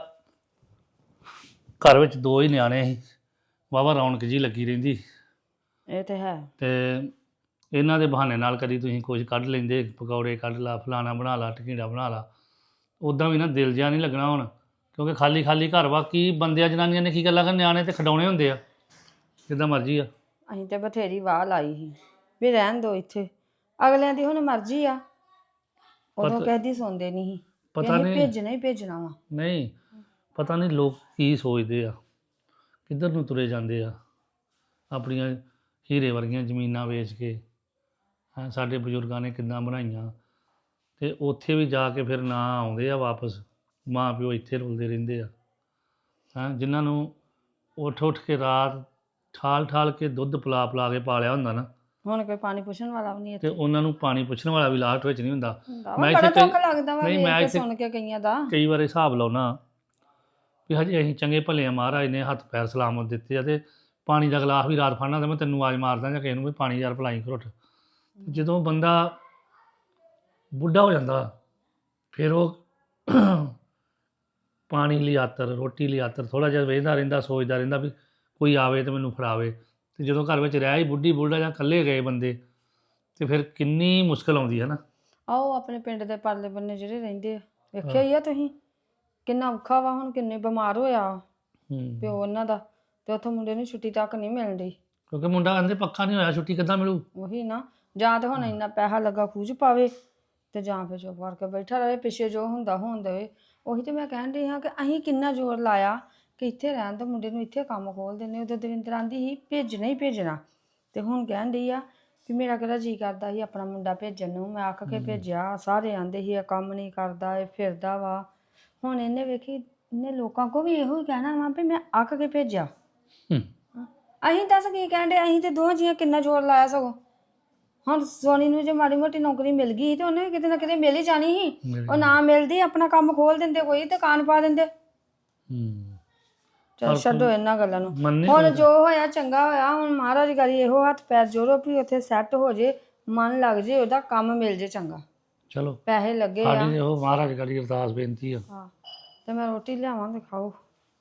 Speaker 7: ਘਰ ਵਿੱਚ ਦੋ ਹੀ ਨਿਆਣੇ ਸੀ, ਵਾਹਵਾ ਰੌਣਕ ਜੀ ਲੱਗੀ ਰਹਿੰਦੀ।
Speaker 4: ਇਹ ਤੇ ਹੈ।
Speaker 7: ਤੇ ਇਹਨਾਂ ਦੇ ਬਹਾਨੇ ਨਾਲ ਕਦੀ ਤੁਸੀਂ ਕੁਝ ਕੱਢ ਲੈਂਦੇ, ਪਕੌੜੇ ਕੱਢ ਲਾ, ਫਲਾਣਾ ਬਣਾ ਲਾ, ਟਕੀੜਾ ਬਣਾ ਲਾ। ਉੱਦਾਂ ਵੀ ਨਾ ਦਿਲ ਜਿਹਾ ਨਹੀਂ ਲੱਗਣਾ ਹੁਣ, ਕਿਉਂਕਿ ਖਾਲੀ ਖਾਲੀ ਘਰ ਵਾ। ਕੀ ਬੰਦਿਆਂ ਜਨਾਨੀਆਂ ਨੇ ਕੀ ਗੱਲਾਂ ਕਰ, ਨਿਆਣੇ ਤੇ ਖਿਡੌਣੇ ਹੁੰਦੇ ਆ, ਜਿੱਦਾਂ ਮਰਜ਼ੀ ਆ।
Speaker 4: ਅਸੀਂ ਤੇ ਬਥੇਰੀ ਵਾਹ ਲਾਈ ਸੀ ਵੀ ਰਹਿਣ ਦੋ ਇੱਥੇ, ਅਗਲਿਆਂ ਦੀ ਹੁਣ ਮਰਜ਼ੀ ਆ। ਉਦੋਂ ਕਹਦੀ ਸੁਣਦੇ ਨਹੀਂ ਸੀ,
Speaker 7: ਪਤਾ ਨਹੀਂ
Speaker 4: ਭੇਜਣਾ ਹੀ ਭੇਜਣਾ ਵਾ।
Speaker 7: ਨਹੀਂ ਪਤਾ ਨਹੀਂ ਲੋਕ ਕੀ ਸੋਚਦੇ ਆ, ਕਿੱਧਰ ਨੂੰ ਤੁਰੇ ਜਾਂਦੇ ਆ। ਆਪਣੀਆਂ ਹੀਰੇ ਵਰਗੀਆਂ ਜ਼ਮੀਨਾਂ ਵੇਚ ਕੇ ਹੈਂ ਸਾਡੇ ਬਜ਼ੁਰਗਾਂ ਨੇ ਕਿੱਦਾਂ ਬਣਾਈਆਂ, ਤੇ ਉੱਥੇ ਵੀ ਜਾ ਕੇ ਫਿਰ ਨਾ ਆਉਂਦੇ ਆ ਵਾਪਸ। ਮਾਂ ਪਿਓ ਇੱਥੇ ਰੁਲਦੇ ਰਹਿੰਦੇ ਆ ਹੈਂ, ਜਿਨ੍ਹਾਂ ਨੂੰ ਉੱਠ ਉੱਠ ਕੇ ਰਾਤ ਠਾਲ ਠਾਲ ਕੇ ਦੁੱਧ ਪਿਲਾ ਪਿਲਾ ਕੇ ਪਾਲਿਆ ਹੁੰਦਾ ਨਾ।
Speaker 4: ਹੁਣ ਕੋਈ ਪਾਣੀ ਪੁੱਛਣ ਵਾਲਾ ਵੀ ਨਹੀਂ
Speaker 7: ਤੇ
Speaker 4: ਇੱਥੇ।
Speaker 7: ਉਹਨਾਂ ਨੂੰ ਪਾਣੀ ਪੁੱਛਣ ਵਾਲਾ ਵੀ ਲਾਸਟ ਵਿੱਚ ਨਹੀਂ ਹੁੰਦਾ।
Speaker 4: ਮੈਂ ਬੜਾ ਦੁੱਖ ਲੱਗਦਾ ਵਾ
Speaker 7: ਨਹੀਂ,
Speaker 4: ਵੇਖ
Speaker 7: ਮੈਂ
Speaker 4: ਕੇ
Speaker 7: ਇੱਥੇ
Speaker 4: ਸੁਣ ਕੇ ਕਈਆਂ ਦਾ।
Speaker 7: ਕਈ ਵਾਰ ਹਿਸਾਬ ਲਾਉਣਾ ਵੀ ਹਜੇ ਅਸੀਂ ਚੰਗੇ ਭਲੇ ਆ, ਮਹਾਰਾਜ ਨੇ ਹੱਥ ਪੈਰ ਸਲਾਮਤ ਦਿੱਤੇ ਆ, ਤੇ ਪਾਣੀ ਦਾ ਗਲਾਸ ਵੀ ਰਾਤ ਫੜਨਾ ਤਾਂ ਮੈਂ ਤੈਨੂੰ ਆਵਾਜ਼ ਮਾਰਦਾ ਜਾਂ ਕਿਸੇ ਨੂੰ ਵੀ ਪਾਣੀ ਯਾਰ ਪਿਲਾਈ ਘੁੱਟ। ਜਦੋਂ ਬੰਦਾ ਬੁੱਢਾ ਹੋ ਜਾਂਦਾ ਫਿਰ ਉਹ ਪਾਣੀ ਲਈ ਆਤਰ, ਰੋਟੀ ਲਈ ਆਤਰ ਥੋੜ੍ਹਾ ਜਿਹਾ ਵੇਖਦਾ ਰਹਿੰਦਾ, ਸੋਚਦਾ ਰਹਿੰਦਾ ਵੀ ਕੋਈ ਆਵੇ ਤੇ ਮੈਨੂੰ ਫੜਾਵੇ। ਤੇ ਜਦੋਂ ਘਰ ਵਿੱਚ ਰਹਿ ਹੀ ਬੁੱਢੀ ਬੁੱਢਾ ਜਾਂ ਇਕੱਲੇ ਗਏ ਬੰਦੇ, ਤੇ ਫਿਰ ਕਿੰਨੀ ਮੁਸ਼ਕਲ ਆਉਂਦੀ ਹੈ ਨਾ।
Speaker 4: ਆਓ ਆਪਣੇ ਪਿੰਡ ਦੇ ਪਰਲੇ ਬੰਨੇ ਜਿਹੜੇ ਰਹਿੰਦੇ ਆ, ਵੇਖਿਆ ਹੀ ਆ ਤੁਸੀਂ ਕਿੰਨਾ ਔਖਾ ਵਾ। ਹੁਣ ਕਿੰਨੇ ਬਿਮਾਰ ਹੋਇਆ
Speaker 7: ਹੂੰ
Speaker 4: ਪਿਓ ਉਹਨਾਂ ਦਾ, ਤੇ ਉੱਥੋਂ ਮੁੰਡੇ ਨੂੰ ਛੁੱਟੀ ਤੱਕ ਨਹੀਂ ਮਿਲਦੀ।
Speaker 7: ਕਿਉਂਕਿ ਮੁੰਡਾ ਕਹਿੰਦੇ ਪੱਕਾ ਨਹੀਂ ਹੋਇਆ, ਛੁੱਟੀ ਕਿੱਦਾਂ ਮਿਲੂ।
Speaker 4: ਉਹੀ ਨਾ, ਜਾਂ ਤੇ ਹੁਣ ਇੰਨਾ ਪੈਸਾ ਲੱਗਾ ਖੂਜ ਪਾਵੇ, ਤੇ ਜਾਂ ਫਿਰ ਚੁੱਪ ਕਰਕੇ ਬੈਠਾ ਰਹੇ, ਪਿੱਛੇ ਜੋ ਹੁੰਦਾ ਹੋਣ ਦੇਵੇ। ਉਹੀ ਤੇ ਮੈਂ ਕਹਿਣ ਰਹੀ ਹਾਂ ਕਿ ਅਸੀਂ ਕਿੰਨਾ ਜ਼ੋਰ ਲਾਇਆ ਕਿ ਇੱਥੇ ਰਹਿਣ ਤੋਂ, ਮੁੰਡੇ ਨੂੰ ਇੱਥੇ ਕੰਮ ਖੋਲ ਦਿੰਦੇ। ਉਦੋਂ ਦਵਿੰਦਰ ਆਂਦੀ ਸੀ ਭੇਜਣਾ ਹੀ ਭੇਜਣਾ, ਤੇ ਹੁਣ ਕਹਿਣ ਡਈ ਆ ਵੀ ਮੇਰਾ ਕਿਹੜਾ ਜੀਅ ਕਰਦਾ ਸੀ ਆਪਣਾ ਮੁੰਡਾ ਭੇਜਣ ਨੂੰ। ਮੈਂ ਆਖ ਕੇ ਭੇਜਿਆ, ਸਾਰੇ ਆਂਦੇ ਸੀ ਇਹ ਕੰਮ ਨਹੀਂ ਕਰਦਾ, ਇਹ ਫਿਰਦਾ ਵਾ। ਹੁਣ ਇਹਨੇ ਵੇਖੀ, ਇਹਨੇ ਲੋਕਾਂ ਕੋ ਵੀ ਇਹੋ ਹੀ ਕਹਿਣਾ ਵਾ ਵੀ ਮੈਂ ਆਖ ਕੇ ਭੇਜਿਆ।
Speaker 7: ਹੂੰ
Speaker 4: ਅਸੀਂ ਦੱਸ ਕੀ ਕਹਿਣ ਡੇ, ਅਸੀਂ ਤੇ ਦੋਹਾਂ ਜੀਆਂ ਕਿੰਨਾ ਜ਼ੋਰ ਲਾਇਆ। ਸਗੋਂ ਹੁਣ ਸੋਨੀ ਨੂੰ ਜੇ ਮਾੜੀ ਮੋਟੀ ਨੌਕਰੀ ਮਿਲ ਗਈ ਤੇ ਉਹਨੇ ਕਿਤੇ ਨਾ ਕਿਤੇ ਮਿਲ ਹੀ ਜਾਣੀ ਸੀ। ਉਹ ਨਾ ਮਿਲਦੀ ਆਪਣਾ ਕੰਮ ਖੋਲ ਦਿੰਦੇ, ਕੋਈ ਦੁਕਾਨ ਪਾ ਦਿੰਦੇ।
Speaker 7: ਹੂੰ
Speaker 4: ਚਲ ਛੱਡੋ ਇਹਨਾਂ ਗੱਲਾਂ ਨੂੰ।
Speaker 7: ਮੰਨੇ
Speaker 4: ਹੁਣ ਜੋ ਹੋਇਆ ਚੰਗਾ ਹੋਇਆ। ਹੁਣ ਮਹਾਰਾਜ ਗਾਰੀ ਇਹੋ ਹੱਥ ਪੈਰ ਜੋੜੋ ਵੀ ਉੱਥੇ ਸੈੱਟ ਹੋ ਜੇ, ਮਨ ਲੱਗ ਜੇ, ਉਹਦਾ ਕੰਮ ਮਿਲ ਜੇ ਚੰਗਾ,
Speaker 7: ਚਲੋ
Speaker 4: ਪੈਸੇ ਲੱਗੇ ਆ।
Speaker 7: ਸਾਡੀ ਉਹ ਮਹਾਰਾਜ ਗਾੜੀ ਅਰਦਾਸ ਬੇਨਤੀ ਆ।
Speaker 4: ਹਾਂ, ਤੇ ਮੈਂ ਰੋਟੀ ਲਿਆਵਾਂ ਤੇ ਖਾਓ।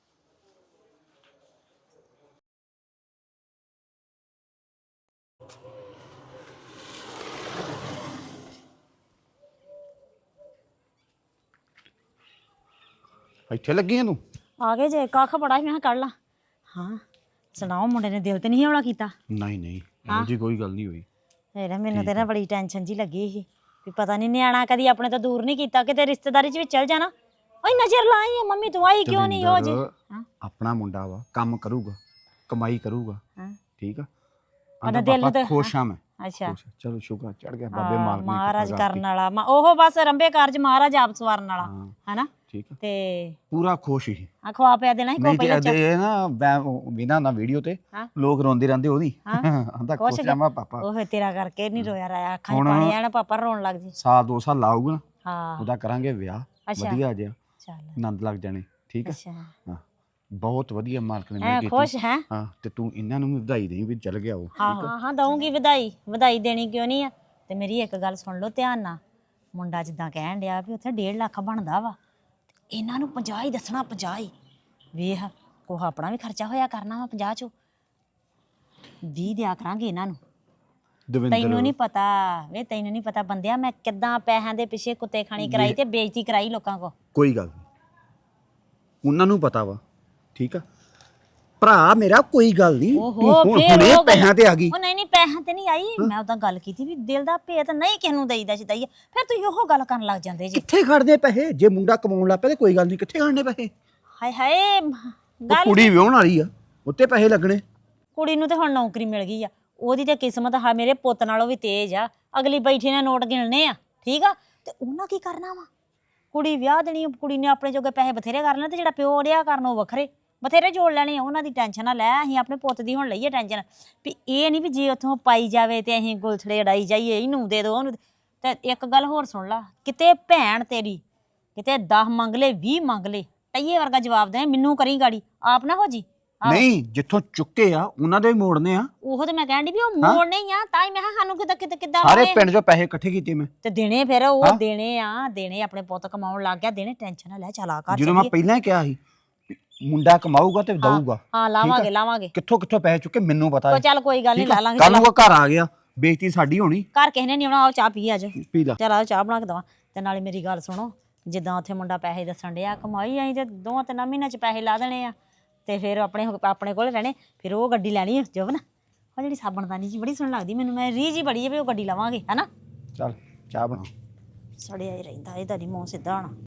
Speaker 8: ਇੱਥੇ ਲੱਗੀ ਆ ਤੂੰ?
Speaker 2: ਆ ਗਏ ਜੇ, ਕੱਖ ਬੜਾ ਸੀ ਮੈਂ ਕਿਹਾ ਕੱਢ ਲਾ। ਹਾਂ ਸੁਣਾਓ, ਮੁੰਡੇ ਨੇ ਦਿਲ ਤੇ ਨਹੀਂ ਹੌਲਾ ਕੀਤਾ?
Speaker 8: ਨਹੀਂ ਨਹੀਂ ਇਹੋ ਜੀ ਕੋਈ ਗੱਲ ਨਹੀਂ ਹੋਈ।
Speaker 2: ਇਹਦਾ ਮੈਨੂੰ ਤੇ ਨਾ ਬੜੀ ਟੈਨਸ਼ਨ ਜੀ ਲੱਗੀ ਸੀ ਵੀ ਪਤਾ ਨਹੀਂ ਨਿਆਣਾ ਕਦੀ ਆਪਣੇ ਤੋਂ ਦੂਰ ਨਹੀਂ ਕੀਤਾ, ਕਿਤੇ ਰਿਸ਼ਤੇਦਾਰੀ 'ਚ ਵੀ ਚਲ ਜਾਣਾ। ਓਏ ਨਜ਼ਰ ਲਾਈ ਆ ਮੰਮੀ, ਤੂੰ ਆਈ ਕਿਉਂ ਨਹੀਂ? ਹੋ ਜੇ
Speaker 8: ਆਪਣਾ ਮੁੰਡਾ ਵਾ, ਕੰਮ ਕਰੂਗਾ, ਕਮਾਈ ਕਰੂਗਾ,
Speaker 2: ਹਾਂ
Speaker 8: ਠੀਕ ਆ।
Speaker 2: ਉਹਦਾ
Speaker 8: ਆਂਦਾ
Speaker 2: ਦਿਲ
Speaker 8: ਪਾਪਾ
Speaker 2: ਤੇ-
Speaker 8: ਖੁਸ਼ ਆ ਮੈਂ।
Speaker 2: ਅੱਛਾ
Speaker 8: ਖੁਸ਼ ਆ। ਚਲੋ ਸ਼ੁਕਰ ਚੜ ਗਿਆ ਬਾਬੇ
Speaker 2: ਹਾਂ,
Speaker 8: ਮਾਲਕ ਨੇ
Speaker 2: ਮਹਾਰਾਜ
Speaker 8: ਕਿਰਪਾ
Speaker 2: ਕਰਨ
Speaker 8: ਕਰਤੀ।
Speaker 2: ਵਾਲਾ ਮਾ- ਉਹ ਬਸ ਰੰਬੇ ਕਾਰਜ ਮਹਾਰਾਜ ਆਪ ਸਵਾਰਨ ਵਾਲਾ
Speaker 8: ਹਾਂ
Speaker 2: ਹਨਾ
Speaker 8: ਠੀਕ ਆ
Speaker 2: ਤੇ
Speaker 8: ਪੂਰਾ ਖੁਸ਼ ਹੀ
Speaker 2: ਆ ਖਵਾ ਪਿਆ ਦੇਣਾ ਸੀ ਕੋ
Speaker 8: ਨਹੀਂ
Speaker 2: ਪਹਿਲਾਂ
Speaker 8: ਤੇ
Speaker 2: ਚ
Speaker 8: ਇਹ ਨਾ ਬਿਨਾ ਨਾ ਵੀਡੀਓ ਤੇ
Speaker 2: ਹਾਂ।
Speaker 8: ਲੋਕ ਰੋਂਦੇ ਰਹਿੰਦੇ ਉਹਦੀ
Speaker 2: ਹਾਂ।
Speaker 8: ਆਂਦਾ
Speaker 2: ਖੁਸ਼
Speaker 8: ਖੁਸ਼
Speaker 2: ਗਿਆ।
Speaker 8: ਆ ਮੈਂ ਪਾਪਾ
Speaker 2: ਉਹ ਤੇਰਾ ਕਰਕੇ ਨਹੀਂ ਰੋਇਆ ਰਾਇਆ ਅੱਖਾਂ 'ਚ
Speaker 8: ਹੁਣ-
Speaker 2: ਪਾਣੀ ਆਣਾ ਪਾਪਾ ਰੋਣ ਲੱਗ ਜੀ
Speaker 8: ਸਾਲ ਦੋ ਸਾਲ ਲਾਊਗਾ ਨਾ
Speaker 2: ਹਾਂ
Speaker 8: ਉਹਦਾ ਕਰਾਂਗੇ ਵਿਆਹ
Speaker 2: ਅੱਛਾ
Speaker 8: ਵਧੀਆ ਜਿਹਾ
Speaker 2: ਚੱਲ
Speaker 8: ਆਨੰਦ ਲੱਗ ਜਾਣੇ ਠੀਕ ਆ
Speaker 2: ਅੱਛਾ
Speaker 8: ਹਾਂ ਬਹੁਤ ਵਧੀਆ ਮਾਲਕ ਨੇ
Speaker 2: ਐ
Speaker 8: ਮਿਹਰ ਕੀਤੀ
Speaker 2: ਖੁਸ਼ ਹੈ
Speaker 8: ਹਾਂ ਤੇ ਤੂੰ ਇਹਨਾਂ ਨੂੰ ਵੀ ਵਧਾਈ ਦੇਈ ਵੀ ਚੱਲ ਗਿਆ ਉਹ
Speaker 2: ਹਾਂ ਹਾਂ ਹਾਂ ਦਊਂਗੀ ਵਧਾਈ ਵਧਾਈ ਦੇਣੀ ਕਿਉਂ ਨਹੀਂ ਆ ਤੇ ਮੇਰੀ ਇੱਕ ਗੱਲ ਸੁਣ ਲਓ ਧਿਆਨ ਨਾਲ ਮੁੰਡਾ ਜਿੱਦਾਂ ਕਹਿਣ ਡਿਆ ਵੀ ਉੱਥੇ ਡੇਢ ਲੱਖ ਬਣਦਾ ਵਾ ਤੇ ਇਹਨਾਂ ਨੂੰ ਪੰਜਾਹ ਹੀ ਦੱਸਣਾ ਪੰਜਾਹ ਹੀ ਵੇਖ ਕੋਹ ਆਪਣਾ ਵੀ ਖਰਚਾ ਹੋਇਆ ਕਰਨਾ ਵਾ ਪੰਜਾਹ ਚੋਂ ਵੀਹ ਦਿਆ ਕਰਾਂਗੇ ਇਹਨਾਂ ਨੂੰ ਤੈਨੂੰ
Speaker 8: ਦਵਿੰਦਰ
Speaker 2: ਨਹੀਂ ਪਤਾ ਵੇ ਤੈਨੂੰ ਨਹੀਂ ਪਤਾ ਬੰਦਿਆ ਮੈਂ ਕਿੱਦਾਂ ਪੈਸਿਆਂ ਦੇ ਪਿੱਛੇ ਕੁੱਤੇ ਖਾਣੀ ਕਰਾਈ ਤੇ ਬੇਇੱਜ਼ਤੀ ਕਰਾਈ ਲੋਕਾਂ ਕੋ
Speaker 8: ਕੋਈ ਗੱਲ ਨਹੀਂ ਉਹਨਾਂ ਨੂੰ ਪਤਾ ਵਾ ਠੀਕ ਆ ਭਰਾ ਮੇਰਾ ਕੋਈ ਗੱਲ ਨਹੀਂ
Speaker 2: ਓਹੋ,
Speaker 8: ਤੂੰ ਹੁਣ
Speaker 2: ਫੇਰ
Speaker 8: ਹੁਣੇ
Speaker 2: ਉਹ ਗੱਲ-
Speaker 8: ਪੈਸਿਆਂ ਤੇ ਆ ਗਈ
Speaker 2: ਉਹ ਨਹੀਂ ਨਹੀਂ ਪੈਸਿਆਂ ਤੇ ਨਹੀਂ ਆਈ ਮੈਂ ਉਦਾਂ ਗੱਲ ਕੀਤੀ ਵੀ ਦਿਲ ਦਾ ਭੇਤ ਨਹੀਂ ਕਿਸ ਨੂੰ ਦੇਈਦਾ ਸਿੱਧਾ ਹੀ ਆ। ਫਿਰ ਤੁਸੀਂ ਉਹ ਗੱਲ ਕਰਨ ਲੱਗ ਜਾਂਦੇ ਜੀ
Speaker 8: ਕਿੱਥੇ ਖੜਦੇ ਪੈਸੇ ਜੇ ਮੁੰਡਾ ਕਮਾਉਣ ਲੱਗ ਪਿਆ ਤੇ ਕੋਈ ਗੱਲ ਨਹੀਂ ਕਿੱਥੇ ਖੜਨੇ ਪੈਸੇ
Speaker 2: ਹਾਏ ਹਾਏ
Speaker 8: ਉਹ
Speaker 2: ਗੱਲ
Speaker 8: ਕੁੜੀ ਵਿਆਹਣ ਵਾਲੀ ਆ ਉੱਤੇ ਪੈਸੇ ਲੱਗਣੇ
Speaker 2: ਕੁੜੀ ਨੂੰ ਤੇ ਹੁਣ ਨੌਕਰੀ ਮਿਲ ਗਈ ਆ ਉਹਦੀ ਤੇ ਕਿਸਮਤ ਹਾਂ ਮੇਰੇ ਪੁੱਤ ਨਾਲੋਂ ਵੀ ਤੇਜ਼ ਆ ਅਗਲੀ ਬੈਠੀ ਨੇ ਨੋਟ ਗਿਣਨੇ ਆ ਠੀਕ ਆ ਤੇ ਉਹਨਾਂ ਕੀ ਕਰਨਾ ਵਾ ਕੁੜੀ ਵਿਆਹ ਦੇਣੀ ਕੁੜੀ ਨੇ ਆਪਣੇ ਜੋਗੇ ਪੈਸੇ ਬਥੇਰੇ ਕਰ ਲੈਣੇ ਤੇ ਜਿਹੜਾ ਪਿਓ ਡਿਆ ਕਰਨ ਉਹ ਵੱਖਰੇ ਬਥੇਰੇ ਜੋੜ ਲੈਣੇ ਆ ਉਹਨਾਂ ਦੀ ਟੈਨਸ਼ਨ ਨਾ ਲੈ ਅਸੀਂ ਆਪਣੇ ਪੁੱਤ ਦੀ ਹੁਣ ਲਈਏ ਟੈਨਸ਼ਨ ਵੀ ਇਹ ਨਹੀਂ ਵੀ ਜੇ ਉੱਥੋਂ ਪਾਈ ਜਾਵੇ ਤੇ ਅਸੀਂ ਗੁਲਛੜੇ ਉਡਾਈ ਜਾਈਏ ਇਹਨੂੰ ਦੇ ਦੋ ਉਹਨੂੰ ਦੇ- ਤੇ ਇੱਕ ਗੱਲ ਹੋਰ ਸੁਣ ਲਾ ਕਿਤੇ ਭੈਣ ਤੇਰੀ ਕਿਤੇ ਦਸ ਮੰਗ ਲੈ ਵੀਹ ਮੰਗ ਲੈ ਟਈਏ ਵਰਗਾ ਜਵਾਬ ਦੇ ਮੈਨੂੰ ਕਰੀ ਗਾੜੀ ਆਪ ਨਾ ਹੋ ਜੀ ਆਹੋ।
Speaker 8: ਨਹੀਂ ਜਿੱਥੋਂ ਚੁੱਕੇ ਆ ਉਹਨਾਂ ਦੇ ਵੀ ਮੋੜਨੇ ਆ
Speaker 2: ਉਹ ਤੇ ਮੈਂ ਕਹਿਣ ਦੀ ਵੀ ਉਹ
Speaker 8: ਹਾਂ।
Speaker 2: ਮੋੜ ਨਹੀਂ ਆ ਤਾਂ ਹੀ ਮੈਂ ਕਿਹਾ ਸਾਨੂੰ ਕਿੱਦਾਂ ਕਿੱਦਾਂ ਕਿੱਦਾਂ
Speaker 8: ਸਾਰੇ
Speaker 2: ਲਾਉਣੇ ਆ।
Speaker 8: ਪਿੰਡ ਚੋਂ ਪੈਸੇ ਇਕੱਠੇ ਕੀਤੇ ਮੈਂ
Speaker 2: ਤੇ ਦੇਣੇ ਫਿਰ ਉਹ
Speaker 8: ਹਾਂ।
Speaker 2: ਦੇਣੇ ਆ ਦੇਣੇ ਆਪਣੇ ਪੁੱਤ ਕਮਾਉਣ ਲੱਗ ਗਿਆ ਦੇਣੇ ਟੈਨਸ਼ਨ ਨਾ ਲੈ ਚਲਾ ਕਰ
Speaker 8: ਜਦੋਂ ਮੈਂ ਪਹਿਲਾਂ ਹੀ ਕਿਹਾ ਸੀ ਵੀ ਮੁੰਡਾ ਕਮਾਊਗਾ ਤੇ ਦਊਗਾ
Speaker 2: ਹਾਂ ਲਾਵਾਂਗੇ ਲਾਵਾਂਗੇ
Speaker 8: ਕਿੱਥੋਂ ਕਿੱਥੋਂ ਪੈਸੇ ਚੁੱਕੇ ਮੈਨੂੰ ਪਤਾ
Speaker 2: ਕੋ
Speaker 8: ਹੈ
Speaker 2: ਚੱਲ ਕੋਈ ਗੱਲ ਨਹੀਂ ਲੈ ਲਾਂਗੇ
Speaker 8: ਕੱਲ ਨੂੰ
Speaker 2: ਚੱਲ।
Speaker 8: ਉਹ ਘਰ ਆ ਗਿਆ ਬੇਇੱਜ਼ਤੀ ਸਾਡੀ ਹੋਣੀ
Speaker 2: ਘਰ ਕਿਸੇ ਨੇ ਨਹੀਂ ਆਉਣਾ ਆਓ ਚਾਹ ਪੀ ਆ ਜਾ
Speaker 8: ਪੀ ਲਾ
Speaker 2: ਚਲ ਆਓ ਚਾਹ ਬਣਾ ਕੇ ਦਵਾਂ ਤੇ ਨਾਲੇ ਮੇਰੀ ਗੱਲ ਸੁਣੋ ਜਿੱਦਾਂ ਉੱਥੇ ਮੁੰਡਾ ਪੈਸੇ ਦੱਸਣ ਡਿਆ ਕਮਾਈ ਆਈ ਤੇ ਦੋਵਾਂ ਤਿੰਨਾਂ ਮਹੀਨਿਆਂ ਚ ਪੈਸੇ ਲਾ ਦੇਣੇ ਆ ਤੇ ਫਿਰ ਆਪਣੇ ਆਪਣੇ ਕੋਲ ਰਹਿਣੇ ਫਿਰ ਉਹ ਗੱਡੀ ਲੈਣੀ ਜੋਬਨ ਉਹ ਜਿਹੜੀ ਸਾਬਣਦਾਨੀ ਜੀ ਬੜੀ ਸੋਹਣੀ ਲੱਗਦੀ ਮੈਨੂੰ ਮੈਂ ਰੀਝ ਹੀ ਬੜੀ ਹੈ ਵੀ ਉਹ ਗੱਡੀ ਲਵਾਂਗੇ ਹਨਾ
Speaker 8: ਚੱਲ ਚਾਹ ਬਣਾ
Speaker 2: ਸੜਿਆ ਹੀ ਰਹਿੰਦਾ ਇਹਦਾ ਨਹੀਂ ਮੂੰਹ ਸਿੱਧਾ ਹੋਣਾ